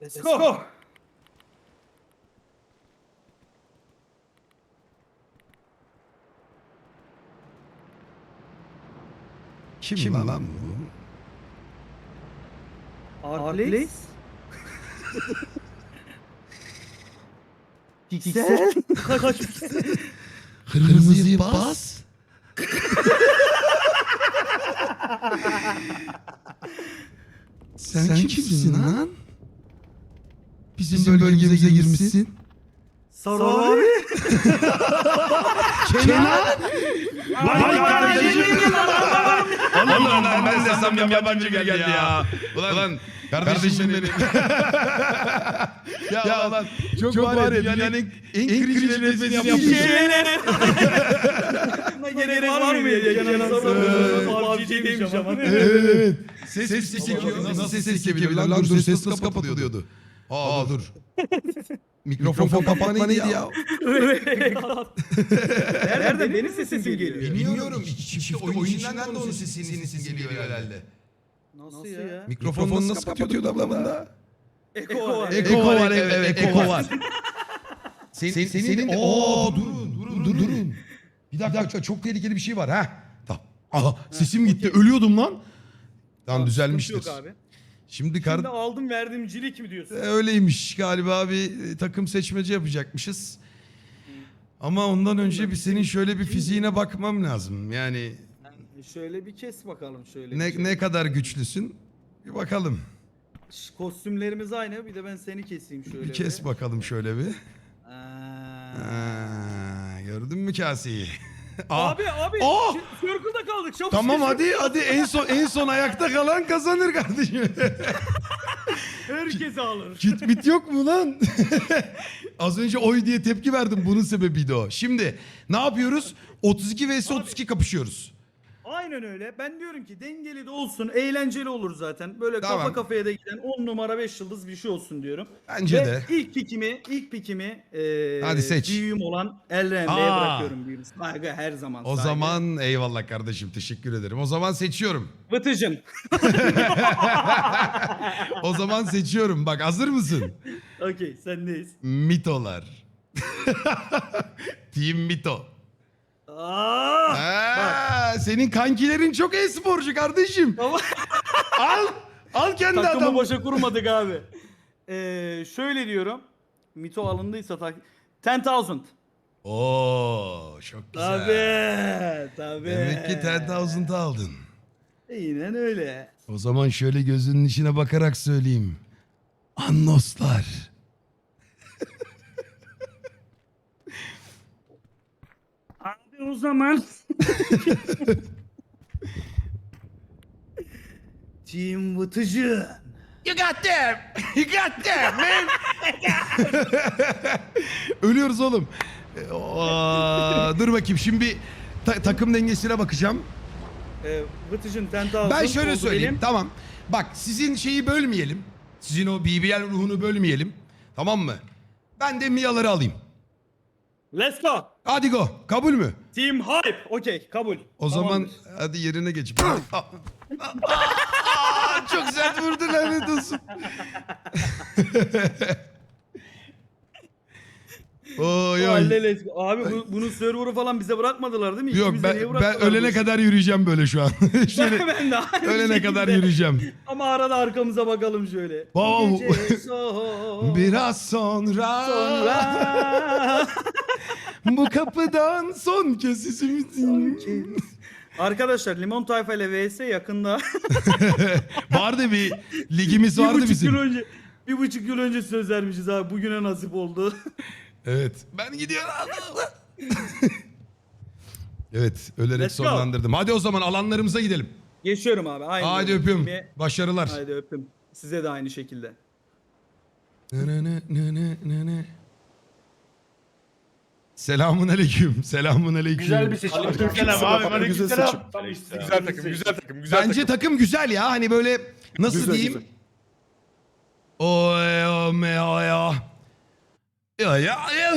Let's go. Kim lan bu? Arplace. Piksel. Kaç piksel? Kırmızıyı bas. Sen kimsin lan? Bizim bölgemize girmişsin. Sarı abi. Kenan. Lan ben de sanmıyorum yabancı geldi ya. Ulan kardeşim benim. ya ulan çok var ya dünyanın en cringe nefesini yapmış. Gerek var mı ya? Kenan Sarı demiş ama. Evet. Ses çekiyor. Nasıl ses çekebilir lan? Dur ses nasıl kapatılıyordu? Aa dur. Mikrofon kapatma neydi ya? Nereden? Benim sesim geliyor. Bilmiyorum. İşte oyun içinden de onun sesi geliyor herhalde. Nasıl ya? Mikrofonu nasıl kapatıyordu ablamında? Eko var. Eko var, evet, eko var. Senin durun. Bir dakika çok tehlikeli bir şey var ha. Tamam. Aha sesim gitti. Ölüyordum lan. Tamam düzelmiştir. Yok abi. Şimdi Şimdi aldım verdim cilik mi diyorsun? öyleymiş galiba bir takım seçmece yapacakmışız. Ama ondan önce bir senin şöyle bir fiziğine bakmam lazım. Yani Şöyle bir kes bakalım şöyle. ne kadar güçlüsün bir bakalım. Kostümlerimiz aynı. Bir de ben seni keseyim şöyle. Bir kes bakalım şöyle bir. Aa. Gördün mü kaseyi? Abi Aa! circle'da kaldık. Çabuk Tamam hadi en son ayakta kalan kazanır kardeşim. Herkese alır. Kit bit yok mu lan? Az önce oy diye tepki verdim, bunun sebebiydi o. Şimdi ne yapıyoruz? 32 vs 32 kapışıyoruz. Aynen öyle. Ben diyorum ki dengeli de olsun, eğlenceli olur zaten. Böyle Tamam. kafa kafaya da giden 10 numara 5 yıldız bir şey olsun diyorum. Bence Ve de. ilk pikimi Hadi seç. büyüğüm olan Elren'e bırakıyorum büyüğüm. Saygı her zaman. O saygı. zaman eyvallah kardeşim, teşekkür ederim. O zaman seçiyorum. Vıtıcın. O zaman seçiyorum. Bak hazır mısın? Okey sendeyiz. Mitolar. Team Mito. Senin kankilerin çok e-sporcu kardeşim. Ama Al kendi takımı adamı. boşa kurmadık abi. Şöyle diyorum. Mito alındıysa 10,000. Oo çok güzel. Tabii. Demek ki 10,000'ı aldın. Aynen öyle. O zaman şöyle gözünün içine bakarak söyleyeyim. Annoslar. Abi o zaman. Team Vıtıcı. You got them. You got them man. Ölüyoruz oğlum. Dur bakayım şimdi bir takım dengesine bakacağım. Vıtıcın 10,000. Ben şöyle oldu söyleyeyim. benim. Tamam. Bak sizin şeyi bölmeyelim. Sizin o BBL ruhunu bölmeyelim. Tamam mı? Ben de Mia'ları alayım. Let's go. Hadi go. Kabul mü? Team Hype. Okey kabul. O zaman hadi yerine geç. Çok sert vurdu lanet olsun. Oy oy. Let's go. Abi bunun server'ı falan bize bırakmadılar değil mi? Yok İkimize niye ben bıraktılar ölene bu kadar yürüyeceğim böyle şu an. Şöyle, ben de aynı ölene şekilde. kadar yürüyeceğim. Ama arada arkamıza bakalım şöyle. Wow. Gece son. Biraz sonra, bu kapıdan son kez sesimi Arkadaşlar Limon Tayfa ile vs yakında. vardı bir ligimiz vardı 1,5 bizim. yıl önce 1,5 yıl önce söz vermişiz abi. Bugüne nasip oldu. Evet. Ben gidiyorum. Evet, ölerek Let's go. sonlandırdım. Hadi o zaman alanlarımıza gidelim. Geçiyorum abi. Aynı Hadi öpüyorum. Başarılar. Haydi öptüm. Size de aynı şekilde. Selamun aleyküm. Selamun aleyküm. Güzel bir seçim. Aleykümselam abi. Aleykümselam. Güzel takım. Bence takım güzel ya. Hani böyle nasıl Güzel, diyeyim? güzel. Oy o me o ya. Ya